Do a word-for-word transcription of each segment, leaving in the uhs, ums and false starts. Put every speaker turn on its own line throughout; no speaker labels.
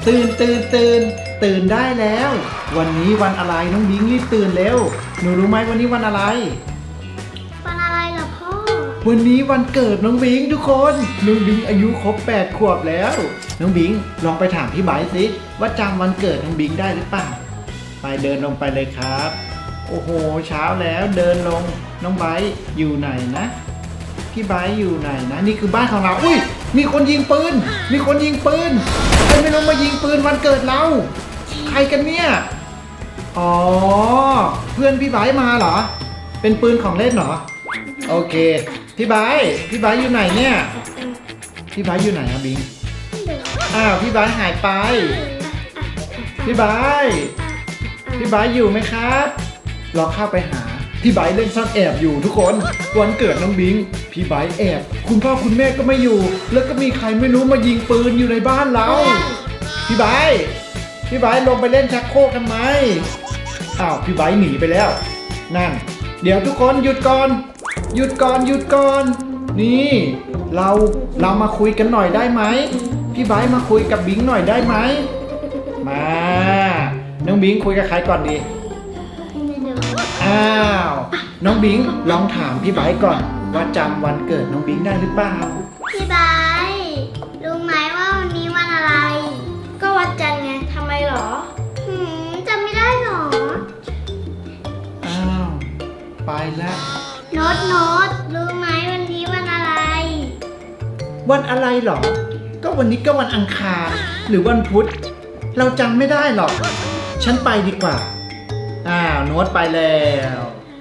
ตื่นตื่นตื่นตื่นได้แล้ว วันนี้วันอะไรน้องบิงรีบตื่นเร็วหนูรู้ไหมวันนี้วันอะไร
วันอะไรเหรอพ่อ
วันนี้วันเกิดน้องบิงทุกคนน้องบิงอายุครบแปดขวบแล้วน้องบิงลองไปถามพี่ไบร์ทสิว่าจำวันเกิดน้องบิงได้หรือเปล่าไปเดินลงไปเลยครับโอ้โหเช้าแล้วเดินลงน้องไบร์ทอยู่ไหนนะพี่ไบร์ทอยู่ไหนนะนี่คือบ้านของเราอุ้ยมีคนยิงปืนมีคนยิงปืนใครไม่รู้มายิงปืนวันเกิดเราใครกันเนี่ยอ๋อเพื่อนพี่ไบร์ทมาเหรอเป็นปืนของเล่นเหรอโอเคพี่ไบร์ทพี่ไบร์ทอยู่ไหนเนี่ยพี่ไบร์ทอยู่ไหนครับบิงอ้าวพี่ไบร์ทหายไปพี่ไบร์ทพี่ไบร์ทอยู่ไหมครับลองเข้าไปหาพี่ไบร์ทเล่นซ่อนแอบอยู่ทุกคนวันเกิดน้องบิงพี่ไบร์ทแอบคุณพ่อคุณแม่ก็ไม่อยู่แล้วก็มีใครไม่รู้มายิงปืนอยู่ในบ้านเราพี่ไบร์ทพี่ไบร์ทลงไปเล่นชักโครกทำไมอ้าวพี่ไบร์ทหนีไปแล้วนั่นเดี๋ยวทุกคนหยุดก่อนหยุดก่อนหยุดก่อนนี่เราเรามาคุยกันหน่อยได้ไหมพี่ไบร์ทมาคุยกับบิงหน่อยได้ไหมมาน้องบิงคุยกับใครก่อนดีอ้าวน้องบิงลองถามพี่ไบร์ทก่อนว่าจำวันเกิดน้องบิงได้หรือเปล่า
พี่ไบร์ทรู้ไหมว่าวันนี้วันอะไรก็วันจันทร์ไงทำไมหรอหืมจำไม่ได้หรอ
อ้าวไปแล้ว
โน้ตโน้ตรู้ไหมวันนี้วันอะไร
วันอะไรหรอก็วันนี้ก็วันอังคารหรือวันพุธเราจำไม่ได้หรอกฉันไปดีกว่าอ้าวโน้ตไปแล้ว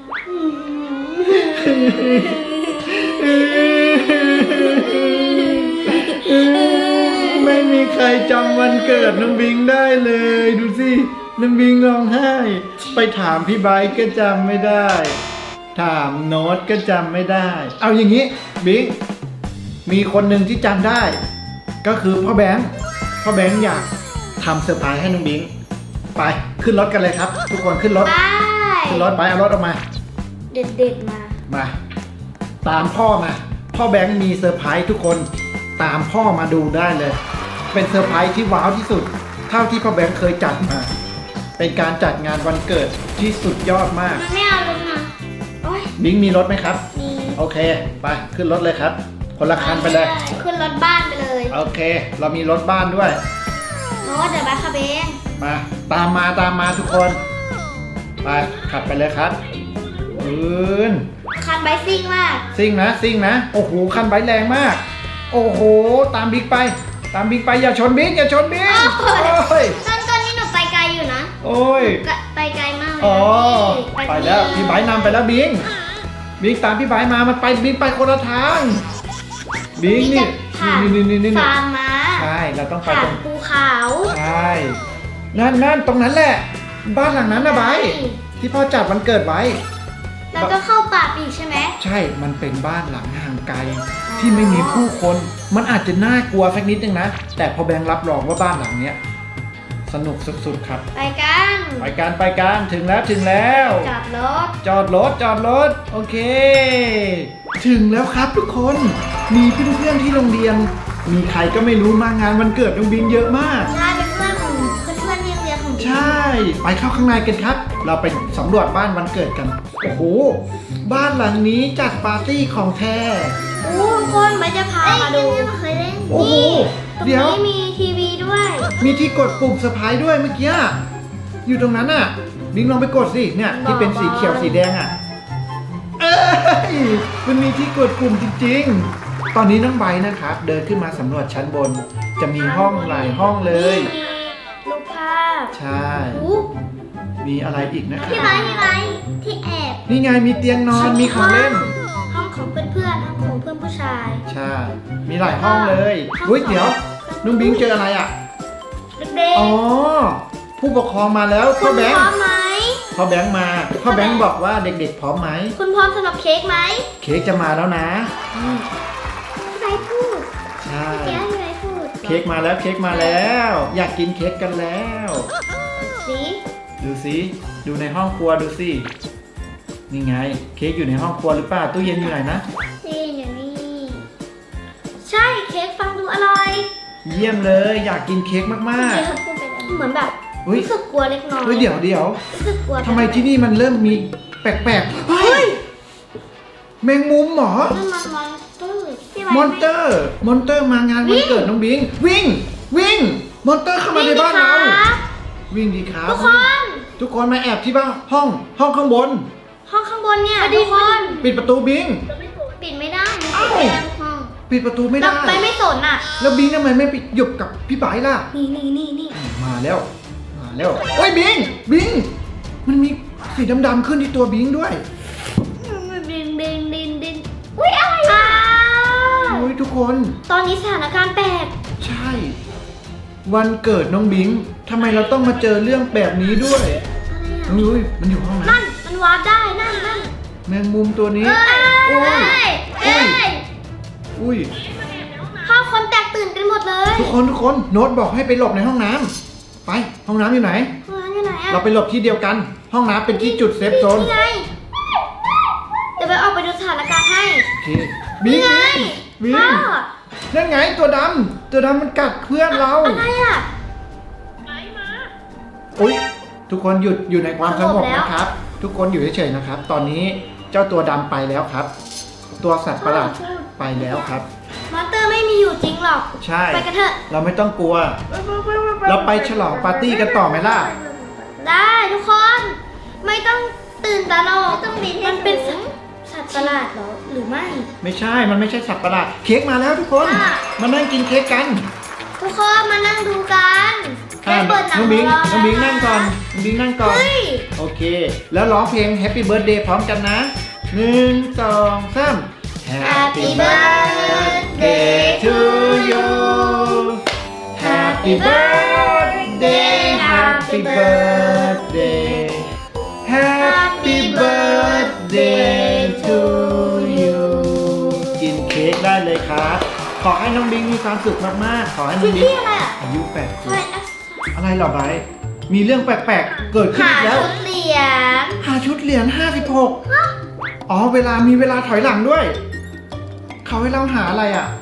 ไม่มีใครจำวันเกิดน้องบิงได้เลยดูสิน้องบิงร้องไห้ไปถามพี่ไบร์ทก็จำไม่ได้ถามโน้ตก็จำไม่ได้เอาอย่างนี้บิงมีคนหนึ่งที่จำได้ก็คือพ่อแบงค์พ่อแบงค์อยากทำเซอร์ไพรส์ให้น้องบิงไปขึ้นรถกันเลยครับทุกคนขึ้นรถขึ้นรถไปเอารถออกมา
เด็ดๆมา
มาตามพ่อมาพ่อแบงค์มีเซอร์ไพรส์ทุกคนตามพ่อมาดูได้เลยเป็นเซอร์ไพรส์ที่ว้าวที่สุดเท่าที่พ่อแบงค์เคยจัดมาเป็นการจัดงานวันเกิดที่สุดยอดมาก
ไม่เอารถมา
บิงมีรถไหมครับ
มี
โอเคไปขึ้นรถเลยครับคนละคันไปเลย
ขึ้นรถบ้านไปเลย
โอเคเรามีรถบ้านด้วย
โน้ตเดี๋ยวไปขับเอง
มาตามมาตามมาทุกคนไปขับไปเลยครับอืน
คันไบค์ซิ่งมาก
ซิ่งนะซิ่งนะโอ้โหคันไบค์แรงมากโอ้โหตามบิ๊กไปตามบิ๊กไปอย่าชนบิ๊กอย่าชนบิ๊กโอ้ย
ตอนตอนนี้หนูไปไกลอยู่นะ
โอ้ย
ไปไกลมากเลย
อ๋อไปแล้วพี่ไบค์นำไปแล้วบิ๊กบิ๊กตามพี่ไบค์มามันไปบิ๊กไปคนละทางบิ๊กนี่นี่นี่นี่
ฟาร์มม้า
ใช่เราต้องไปตรง
ภูเขา
ใช่นั่นนั่นตรงนั้นแหละบ้านหลังนั้นนะไบค์ที่พ่อจัดวันเกิดไว้
แล้วก็เข้าป่าอีกใช่ไหม
ใช่มันเป็นบ้านหลังห่างไกลที่ไม่มีผู้คนมันอาจจะน่ากลัวสักนิดนึงนะแต่พอแบงค์รับรองว่าบ้านหลังเนี้ยสนุกสุดๆครับ
ไปกัน
ไปกันไปกันถึงแล้วถึงแล้ว
จอดรถ
จอดรถจอดรถโอเคถึงแล้วครับทุกคนมีเพื่อนๆที่โรงเรียนมีใครก็ไม่รู้มางานวันเกิดน้องบิงเยอะมาก
ใช่เป็นเพื่อนของเพื่อนๆที่โรงเรียนของ
ใช่ไปเข้าข้างในกันครับเราไปสำรวจบ้านวันเกิดกันโอ้โหบ้านหลังนี้จัดปาร์ตี้ของแท้
โอ้คนไม่จะพามาดูเคยเล่น
โอ้โห
เดี๋ยวมีทีวีด้วย
มีที่กดปุ่มเซอร์ไพรส์ด้วยเมื่อกี้อยู่ตรงนั้นอ่ะบิงลองไปกดสิเนี่ยที่เป็นสีเขียวสีแดงอ่ะเอ้ยมันมีที่กดปุ่มจริงๆตอนนี้น้องไบร์ทนะครับเดินขึ้นมาสำรวจชั้นบนจะมีห้องหลายห้องเลย
รูปภาพ
ใช่มีอะไรอีกนะครับ
ที่ไบร์ทที่ไบร์ทที่แอบ
นี่ไงมีเตียงนอนมีของเล่น
ห้องของเพื่อนๆห้องของเพื่อนผู้ชาย
ใช่มีหลายห้องเลยอุ้ยเดี๋ยวน้องบิงเจออะไรอ่ะ
เด็กๆ
อ๋อผู้ปกครองมาแล้วพ่อแบงค์
พร้อมไหม
พ่อแบงค์มาพ่อแบงค์บอกว่าเด็กๆพร้อมไหม
คุณพร้อมสำหรับเค้กไหม
เค้กจะมาแล้วนะ
พี่ไบร์ทพูด
ใช่
พี่ไบร์ทพูด
เค้กมาแล้วเค้กมาแล้วอยากกินเค้กกันแล้ว
สิ
ดูสิดูในห้องครัวดูสินี่ไงเค้กอยู่ในห้องครัวหรือเปล่าตู้เย็นอยู่ไหนนะ
ตู้เย็นอยู่นี่ใช่เค้กฟังดูอร่อย
เยี่ยมเลยอยากกินเค้กมาก
เมื่อกี้เขาพูดไปแล้วเหมือนแบบ
ๆเฮ้ย
รู้สึกกลัวเล็กน้อย
เฮ้ยเดี๋ยวเดี๋ยว
รู้สึกกลัว
ทำไมที่นี่มันเริ่มมีแปลกๆเฮ้ยแมงมุมเหรอ
นั่นมันมอนสเตอร์ที่ไว้
มอนเตอร์มอนเตอร์มางานวันเกิดน้องบิงวิ่ง วิ่งมอนเตอร์เข้ามาในบ้านเรา วิ่งดีครับ
ทุกคน
ทุกคนมาแอบที่บ้านห้องห้องข้างบน
ห้องข้างบนเนี่ยทุกคน
ปิดประตูบิง
ปิดไม่ได้
เอ้า
ปิดไม่ได้ทุกห้อง
ปิดประตูไม่
เรา
ได้
ไปไม่สนอ่ะ
แล้วบิงทำไมไม่ไปหยบกับพี่ไบร์ทล่ะ
นี่นี่นี่นี่
มาแล้วมาแล้วโอ้ยบิงบิงมันมีสีดำๆขึ้นที่ตัวบิงด้วย
ดินดินดินดินอุ้ยอะไรอ่ะ
โอ้ยทุกคน
ตอนนี้สถานการณ์แปลก
ใช่ วันเกิดน้องบิงทำไมเราต้องมาเจอเรื่องแบบนี้ด้วย
อะไรอ่ะ
น้องยุ้ยมันอยู่ห้อง
นั่
นั้น
นมันวาร์ปได้นั่นนั่น
แมงมุมตัวนี้
เอ้ย
โอ้
เอ้
ย
ยเอ้ย
อุ้ย
ห้องคนแตกตื่นกันหมดเลย
ทุกคนทุกคนโน้ตบอกให้ไปหลบในห้องน้ำไปห้องน้ำอยู่ไหน
ห้องน้ำอยู่ไหนอ่ะ
เราไปหลบที่เดียวกัน ห้องน้ำเป็นที่จุดเซฟโซน
นี่ไงเดี๋ยวไปออกไปดูสถานการณ์ให้
โอเคบิง
นี่ไง
บิง
พ่อ
นั่นไงตัวดำตัวดำมันกัดเพื่อนเรา
อะไรอ่ะ
อุ้ยทุกคนหยุดอยู่ในความสงบ
สงบแล้ว
นะครับ ทุกคนอยู่เฉยๆนะครับ ตอนนี้เจ้าตัวดำไปแล้วครับ ตัวสัตว์ประหลาดไปแล้วครับ
มอนเตอร์ไม่มีอยู่จริงหรอก
ใช่
ไปกันเถอะ
เราไม่ต้องกลัว เราไปฉลองปาร์ตี้กันต่อไหมล่ะ
ได้ทุกคน ไม่ต้องตื่นตระหนกต้องบินมันเป็นสัตว์ประหลาดเหรอหรือไม่
ไม่ใช่ มันไม่ใช่สัตว์ประหลาด เค้กมาแล้วทุกคน
ค่ะ
มานั่งกินเค้กกัน
ทุกคนมานั่งดูกัน
อ่ะ
ไปเปิดหนัง
น้องบิง
ร
น้องบิงนั่งก่อนน้องบิงนั่งก่อน
เฮ้ย
โอเค แล้วร้องเพลง Happy Birthday พร้อมกันนะหนึ่งสองสาม
Happy birthday
to you Happy birthday Happy birthday Happy birthday to you กินเค้กได้เลยครับ ขอให้น้องบิงมีความสุขมากๆ ขอให้น้
คิ
อ
ด
งบิง
ที่อะไรอ่ะ
อายุแปดขว
ใช่
บอะไรเหรอไบร์ทมีเรื่องแปลกๆ เกิดขึ้น
หา
อีกแล้ว
ชุดเหรียญ
หาชุดเหรียญห้าสิบหกอ๋อ เวลามีเวลาถอยหลังด้วย เขาให้เราหาอะไรอ่ะ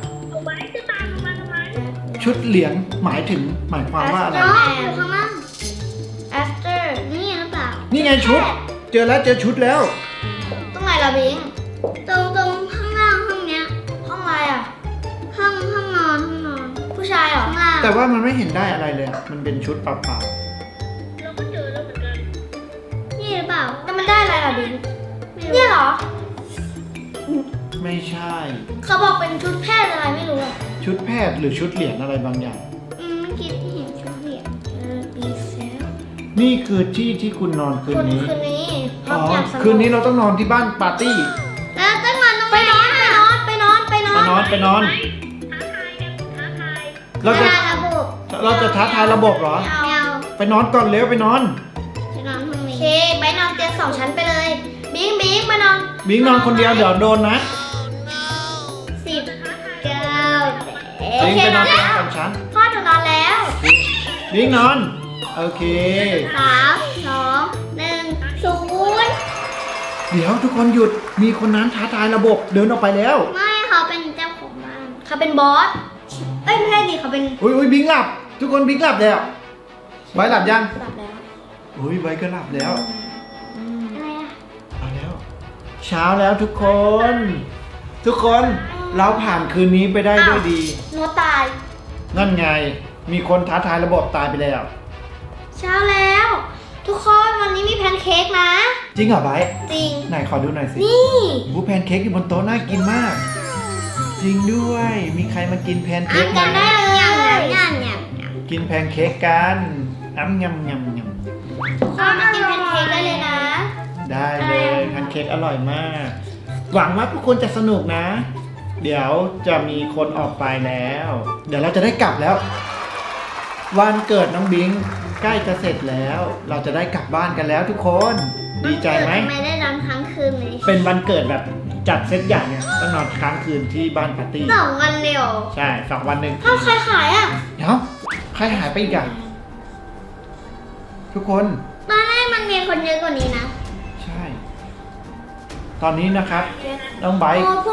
ชุดเหรียญหมายถึงหมายความว่าอะไร
อ๋ออยู่ข้างล่าง after นี่หรือเปล่า
นี่ไงชุด เจอแล้วเจอชุดแล้ว
ตรงไหนล่ะบิง ตรงตรงข้างล่างห้องเนี้ย ห้องอะไรอ่ะ ห้องห้องนอนห้องนอน ผู้ชายเหรอข้างล่าง
แต่ว่ามันไม่เห็นได้อะไรเลยอะมันเป็นชุดเปล่า
นี่หรือเปล่าแล้วมันได้อะไรล่ะบิงเนี่ยเหรอ
ๆ ไม่ใช่
เขาบอกเป็นชุดแพทย์อะไรไม่รู้อ่ะ
ชุดแพทย์หรือชุดเหรียญอะไรบางอย่าง
อืมเมื่อกี้ที่เห็นชุดเหรียญเออปีเซล
นี่คือที่ที่คุณนอนคืน
คน
นี้
คืนนี้ห้
อ๋
อ
อง
อยากสงบ
คืนนี้เราต้องนอนที่บ้านปาร์ตี้
แล้วต้องนอนตรงไหนไปนอนไปนอนไปนอนไปน
ไปนอนไปนอน เราจะ
ระบบ
เราจะท้าทายระบบเหรอ
ไม่เอา
ไปนอนก่อนเร็วไปนอน
ไปนอนห้องนี้โอเคไปนอนเตียงสองชั้นไปเลย บิงบิงมานอน
บิงนอนคนเดียวเดี๋ยวโดนนะ
สิบเก้าโอ
บิง
เค
ไปน
น
อ
อน น
เตีย
แล้
ง
ว
สองชั้น
พ่อหนูนอนแล้ว
บิงนอน โอเค
สามสองหนึ่งศูนย์
เดี๋ยวทุกคนหยุด มีคนนั้นท้าทายระบบเดินออกไปแล้ว
ไม่เขาเป็นเจ้าของบ้านเขาเป็นบอสเอ้ยไม่ใช่ดิเขาเป็น
อุ้ยอุ้ยบิงหลับ ทุกคนบิงหลับแล้วไว้หลับยัง
หลับแล้ว
อุ้ยไว้ก็หลับแล้ว
อะไรอะ
เอาแล้ว เช้าแล้วทุกคน ทุกคนเราผ่านคืนนี้ไปได้ด้วยดี
หนูตาย
นั่นไง มีคนท้าทายระบบตายไปแล้ว
เช้าแล้ว ทุกคนวันนี้มีแพนเค้กนะ
จริงเหรอไบร์ท
จริง
ไหนขอดูหน่อยสิ
นี่
บูแพนเค้กอยู่บนโต๊ะน่ากินมาก จริงด้วย มีใครมากินแพนเค้กไหม
จำได้เลยงานงานงาน
กินแพนเค้กกันอ้ำยำยำย
ทุกคนมากินแพนเค้กได้เลยนะ
ำได้เลยแพนเค้กอร่อยมาก หวังว่าทุกคนจะสนุกนะ เดี๋ยวจะมีคนออกไปแล้ว เดี๋ยวเราจะได้กลับแล้ว วันเกิดน้องบิงใกล้จะเสร็จแล้ว เราจะได้กลับบ้านกันแล้วทุกคน ดีใจไหม
ไม่ได้นอนค้างคืนเลย
เป็นวันเกิดแบบจัดเซตใหญ่เนี่ยต้องนอนค้างคืนที่บ้านปาร์ตี้
สองวันเร็ว
ใช่สองวันหนึ่ง
ถ้าใครขายอ่ะ
เดี๋ยวใครหายไปอีกอะทุกคน
ตอนแรกมันมีคนเยอะกว่านี้นะ
ใช่ ตอนนี้นะครับน้องไบร์ท
โอ้พวก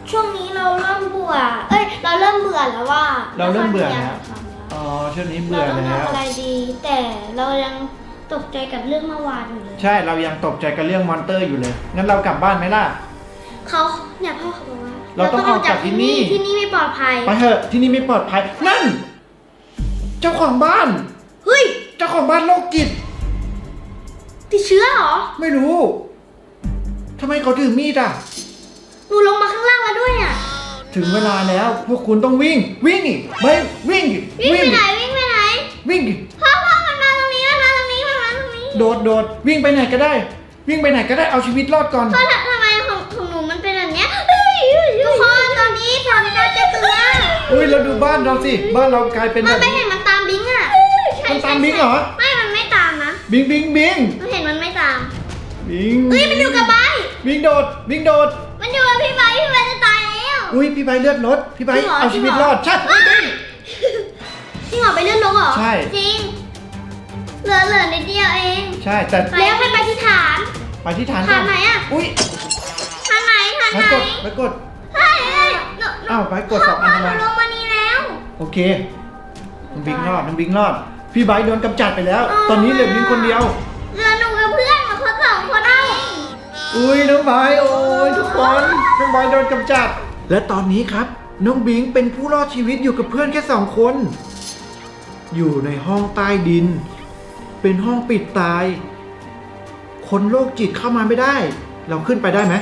ช่วงนี้เราเริ่มเบื่อ เอ้ย เราเริ่มเบื่อแล้วว่า
เราเริ่มเบื่อ
ไม่
แล้ว
ค่อยมีอะไรทำแล้ว
อ๋อช่วงนี้เบื่อ
เราต้อง
แล้ว
ทำอะไรดี แต่เรายังตกใจกับเรื่องเมื่อวานอยู่เลย
ใช่เรายังตกใจกับเรื่องมอนเตอร์อยู่เลยงั้นเรากลับบ้านไหมล่ะ
เขาเนี่ยพ่อเขาบอกว่า
เราต้องออกจากที่นี่
ที่นี่ไม่ปลอดภัย
ไปเถอะที่นี่ไม่ปลอดภัยนั่น เจ้าของบ้าน
เฮ้ย
เจ้าของบ้านโรคจิต
ติดเชื้อเหรอ
ไม่รู้ทำไมเขาถือมีดอ่ะ
หนูลงมาข้างล่างแล้วด้วยอ่ะ
ถึงเวลาแล้วพวกคุณต้องวิ่ง วิ่งอีกไปวิ่งอีก
วิ่งไป
อีก
ไหนวิ่งไปไหน
วิ่งอีก
พ่อพ่อมันมาตรงนี้มันมาตรงนี้มันมาตรงนี้
โดดโดดวิ่งไปไหนก็ได้ วิ่งไปไหนก็ได้เอาชีวิตรอดก่อน
พ่อทำทำไมของของหนูมันเป็นแบบเนี้ยเฮ้ยทุกคนตอนนี้ฝนกำลังจะตกนะ
อุ้ยเราดูบ้านเราสิบ้านเรากลายเป็น
มั
แบ
น
บ
ไม่เห็นมันตามบิงอ่ะ
มันตามบิงเหรอ
ไม่ มันไม่ตามนะ
บิงบิงบิง
มันเห็นมันไม่ตาม
บิง
เฮ้ยมันอยู่กับใบ
บิงโดดบิงโดด
มันอยู่กับพี่ใบพี่ใบจะตายแล้ว
อุ้ยพี่ใบเลือดลดพี่ใบ
จริงเหรอ
เอาชีวิตรอดใช่
เฮ้ยจริงเหรอไปเลื่อนลงเหรอ
ใช่
จริง เหลือเหลือนิดเดียวเอง
ใช่แต่
แล้วให้ไปที่ฐาน
ไปที่ฐาน
ฐานไหนอะ
อุ้ย
ฐานไหนฐาน
ไป
ไหน
กดไปกด
เฮ้ยเฮ้ยหนูหนู
อ้าวไปกดสองอันทำไม
พ่หลงมานี่แล้ว
โอเคน้องบิงรอดน้องบิงรอด พี่ใบโดนกำจัดไปแล้ว
อ๋อ
ตอนนี้เหลือบิงคนเดียว
เหลือหนูกับเพื่อนมาคนสองคนเอง
อุ้ยน้องใบโอ้ยทุกคนน้องใบโดนกำจัด และตอนนี้ครับน้องบิงเป็นผู้รอดชีวิตอยู่กับเพื่อนแค่สองคน อยู่ในห้องใต้ดิน เป็นห้องปิดตาย คนโรคจิตเข้ามาไม่ได้ เราขึ้นไปได้ไหม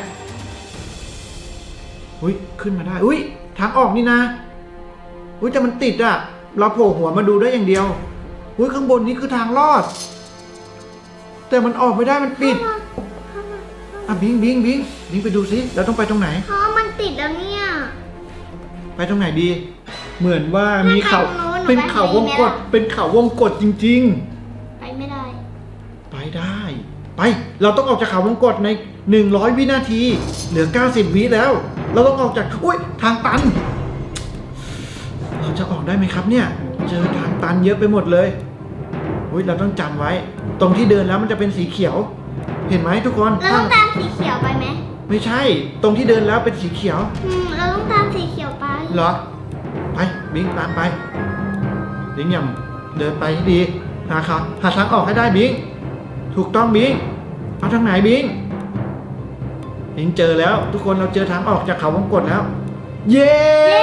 อุ้ยขึ้นมาได้อุ้ยทางออกนี่นะอุ้ยแต่มันติดอะเราโผล่หัวมาดูได้อย่างเดียวอุ้ยข้างบนนี้คือทางรอด แต่มันออกไม่ได้มันปิดอ่ะบิงบิงบิงบิงไปดูสิเราต้องไปตรงไหน
เพราะมันติดแล้วเนี่ย
ไปตรงไหนดี เหมือนว่ามีเขา
ไปตรงนู้นหนู
เป็น
ไป
เขาวง
ทางนี้
ก
ไหม
ด
ล่ะ
เป็นเขาวงกดจริง
ไปไม่ได้
ๆ ไปได้ ไป เราต้องออกจากเขาวงกดในหนึ่งร้อยวินาที เหลือเก้าสิบวิแล้ว เราต้องออกจากอุ้ยทางตัน เราจะออกได้ไหมครับเนี่ย เจอทางตันเยอะไปหมดเลยอุ้ยเราต้องจำไว้ ตรงที่เดินแล้วมันจะเป็นสีเขียว เห็นไหมทุกคน
เราต้องตามสีเขียวไปไหม
ไม่ใช่ ตรงที่เดินแล้วเป็นสีเขียว
อืมเราต้องตามสีเขียวไป
เหรอ ไปบิงตามไปบิงอย่าเดินไปให้ดีหาขาหาทางออกให้ได้บิงถูกต้องบิงเอาทางไหนบิงบิงเจอแล้ว ทุกคนเราเจอทางออกจากเขาวงกตแล้ว เย้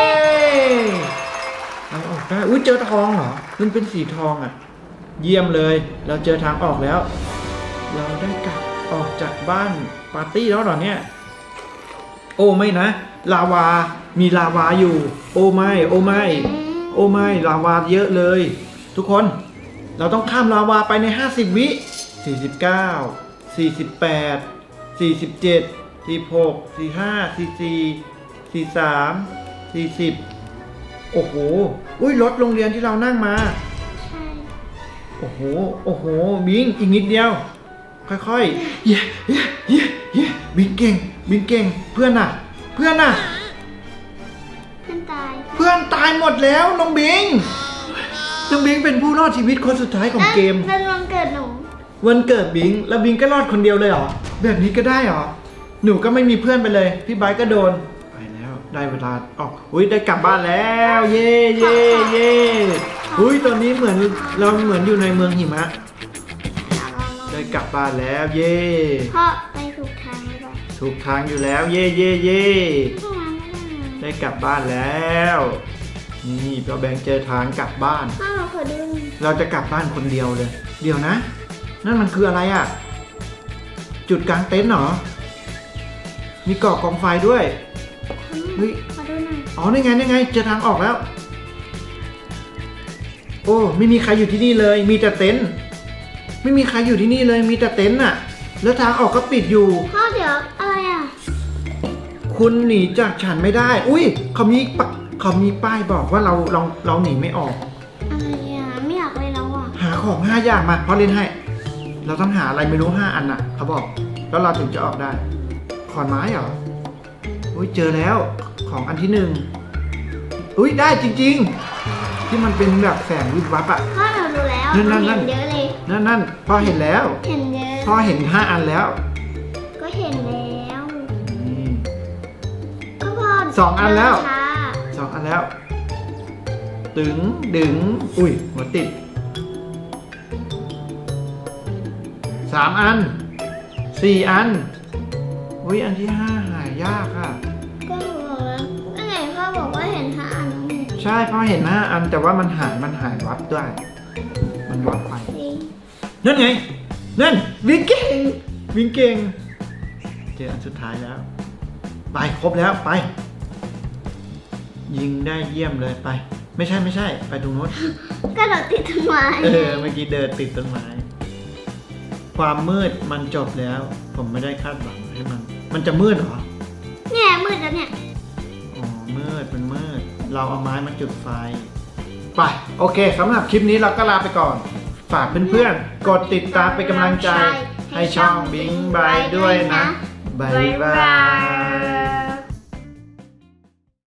เราออกได้อุ้ยเจอทองเหรอมันเป็นสีทองอ่ะ เยี่ยมเลย เราเจอทางออกแล้ว เราได้กลับออกจากบ้านปาร์ตี้แล้วเหรอเนี่ย โอ้ไม่นะ ลาวา มีลาวาอยู่ โอ้ไม่ โอ้ไม่ โอ้ไม่ลาวาเยอะเลย ทุกคน เราต้องข้ามลาวาไปในห้าสิบวิสี่สิบเก้า สี่สิบแปด สี่สิบเจ็ด สี่สิบหก สี่สิบห้า สี่สิบสี่ สี่สิบสาม สี่สิบโอ้โห อุ้ยรถโรงเรียนที่เรานั่งมา
ใช่
โอ้โห โอ้โห บิงอีกนิดเดียว ค่อยๆ เย้เย้เย้เย้บิงเก่ง บิงเก่ง เพื่อนน่ะ เพื่อนน่ะ
เพื่อนตาย
เพื่อนตายหมดแล้วน้องบิง น้องบิงเป็นผู้รอดชีวิตคนสุดท้ายของเกม
แล้วแล้ววันเกิดหนู
วันเกิดบิง แล้วบิงก็รอดคนเดียวเลยเหรอ แบบนี้ก็ได้เหรอ หนูก็ไม่มีเพื่อนไปเลย พี่ไบร์ทก็โดน ไปแล้ว ได้เวลาออกอุ้ยได้กลับบ้านแล้ว เย่เย่เย่อุ้ยตอนนี้เหมือนเราเหมือนอยู่ในเมืองหิมะ ได้กลับบ้านแล้ว เย่
พ่อไปถูกทางหรือเปล่า
ถูกทางอยู่แล้ว เย่เย่เย่
ไม่มาไม่ได้นะ
ได้กลับบ้านแล้ว นี่เราแบงค์เจอทางกลับบ้าน
พ่อเราขอดูหน่อย
เราจะกลับบ้านคนเดียวเลย เดี๋ยวนะ นั่นมันคืออะไรอ่ะ จุดกลางเต็นท์เหรอ มีเกาะกองไฟด้วย เฮ้ย
ขอดูหน่อย
อ๋อนี่ไงนี่ไงเจอทางออกแล้ว โอ้ไม่มีใครอยู่ที่นี่เลย มีแต่เต็นท์ไม่มีใครอยู่ที่นี่เลย มีแต่เต็นท์น่ะ แล้วทางออกก็ปิดอยู่
พ่อเดี๋ยวอะไรอ่ะ
คุณหนีจากฉันไม่ได้ อุ้ยเขามีปะเขามีป้ายบอกว่าเราเราเราหนีไม่ออก
อะไรอ่ะไม่อยากเลยแล้วอ่ะ
หาของห้าอย่างมาเพราะเล่นให้ เราต้องหาอะไรไม่รู้ห้าอันน่ะเขาบอก แล้วเราถึงจะออกได้ ขอนไม้เหรอ อุ้ยเจอแล้วของอันที่หนึ่งอุ้ยได้จริงๆ ที่มันเป็นแบบแสงวิบวับอ่ะ
พ่อเราดูแล้ว
นั่นนั่นนั่
เห็
น
นเยอะเลย
นั่นนั่นพ่อเห็นแล้ว
เห็นเยอะ
พ่อเห็นห้าอันแล้ว
ก็เห็นแล้ว
นี่
ก็พ่อ
สองอันแล้ว
เดิช้า
สองอันแล้ว ตึงดึงอุ้ยหัวติดสามอันสี่อันอุ้ยอันที่ห้าหายากค่ะ
ก็หนูบอกแล้วก็ไหนพ่อบอกว่าเห็นห้าอันแล้วไง
ใช่เพราะเห็นห้าอันแต่ว่ามันหายมันหายวับด้วย มันวับไป
จริง
นั่นไงนั่นวิ่งเก่งวิ่งเก่งเจออันสุดท้ายแล้ว ไปครบแล้วไป ยิงได้เยี่ยมเลยไป ไม่ใช่ไม่ใช่ ไปตรงโน้น
ก็เราติดต้นไม้
เออเมื่อกี้เดินติดต้นไม้ ความมืดมันจบแล้ว ผมไม่ได้คาดหวังให้มัน มันจะมืดเหรอ
เนี่ยมืดแล้วเนี่ย
อ๋อมืดมันมืด เราเอาไม้มาจุดไฟ ไปโอเคสำหรับคลิปนี้เราก็ลาไปก่อน ฝากเพื่อนๆ กดติดตามเป็นกำลังใจ ให้ช่องบิงบายด้วยนะบายบาย